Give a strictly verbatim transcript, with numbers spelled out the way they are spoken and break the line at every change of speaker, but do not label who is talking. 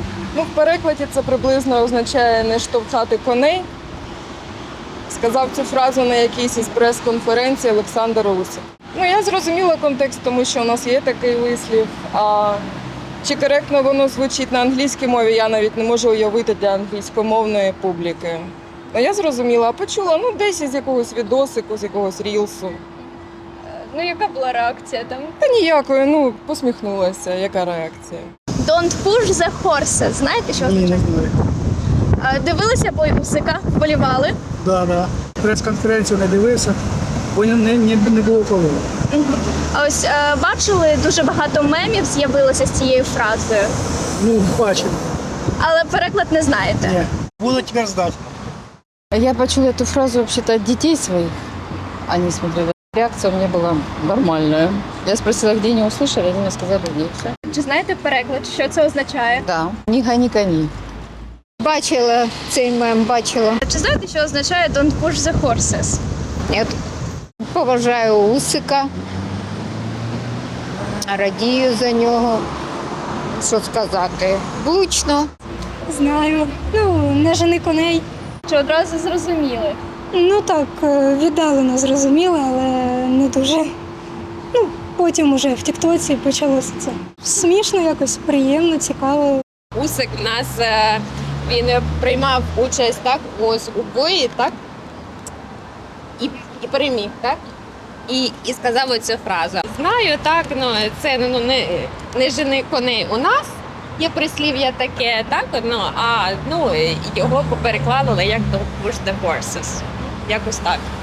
Ну, в перекладі це приблизно означає не штовхати коней. Сказав цю фразу на якійсь із прес-конференцій Олександр Усик. Ну, я зрозуміла контекст, тому що у нас є такий вислів. А чи коректно воно звучить на англійській мові, я навіть не можу уявити для англійськомовної публіки. Ну, я зрозуміла, а почула, ну, десь із якогось відосику, з якогось рілсу.
Ну, яка була реакція там?
Та ніякої, ну, посміхнулася, яка реакція.
Don't push the horses. Знаєте, що
Ні, не
означає?
знаю.
А, Дивилися бой Усика, вболівали.
Да, да. Прес-конференцію не дивився, бо не, не, не було коли.
А ось е, бачили, дуже багато мемів з'явилося з цією фразою,
Ну, бачив.
але переклад не знаєте.
Ні. Буду тепер здати.
Я почула эту фразу вообще-то от детей своих. Они смотрели. Реакция у меня была нормальная. Я спросила, где они услышали, они мне сказали, где все.
Чи знаєте переклад, що це означає?
Да. Не гони коней.
Бачила цей мем, бачила.
Чи знаєте, що означає don't push the horses?
Ні. Поважаю Усика, радію за нього. Що сказати? Влучно.
Знаю. Ну, не жени коней.
Чи одразу зрозуміли?
Ну так, е, віддалено зрозуміла, але не дуже. Ну, потім уже в Тіктоці почалося це. Смішно, якось приємно, цікаво.
Усик в нас е, він приймав участь так ось у бої, так і, і переміг, так і, і сказав оцю фразу. Знаю, так, ну це ну не, не жени коней у нас. Є прислів'я таке, так ну а ну його перекладали як «Don't push the horses». Якось так.